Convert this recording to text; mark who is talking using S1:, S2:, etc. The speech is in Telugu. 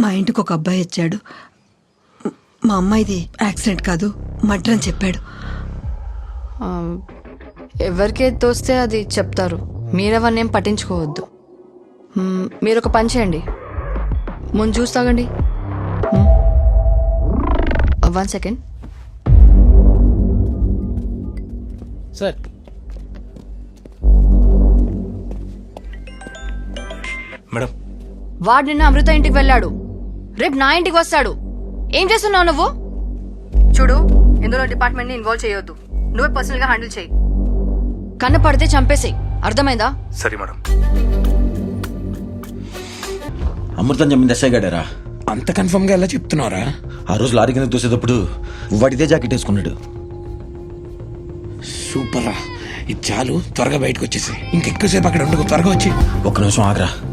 S1: మా ఇంటికి ఒక అబ్బాయి వచ్చాడు. మా అమ్మాయిది యాక్సిడెంట్ కాదు, మర్డర్ అని చెప్పాడు.
S2: ఎవరికేది తోస్తే అది చెప్తారు, మీరెవరినేం పట్టించుకోవద్దు. మీరు ఒక పని చేయండి, ముందు చూసి తాగండి. 1 సెకండ్
S3: సార్.
S4: మేడం,
S2: వాడు నిన్న అమృత ఇంటికి వెళ్ళాడు, రేపు నా ఇంటికి వస్తాడు. ఏం చేస్తున్నావు నువ్వు? చూడు, ఇందులో డిపార్ట్మెంట్ ని ఇన్వాల్వ్ చేయొద్దు, నువ్వే పర్సనల్ గా హ్యాండిల్ చేయి. కన్ను పడితే చంపేసేయ్, అర్థమైందా?
S4: సరే మేడం.
S5: అమృతం చెప్పింది ఎస్ఐ గాడారా?
S3: అంత కన్ఫర్మ్ గా ఎలా చెప్తున్నారా?
S5: ఆ రోజు లారీ కింద తోసేటప్పుడు వాడిదే జాకెట్ వేసుకున్నాడు.
S3: సూపర్ రా, ఇది చాలు, త్వరగా బయటకు వచ్చేసి ఇంకెక్కువసేపు అక్కడ ఉండకు, త్వరగా వచ్చి.
S5: ఒక్క నిమిషం ఆగరా.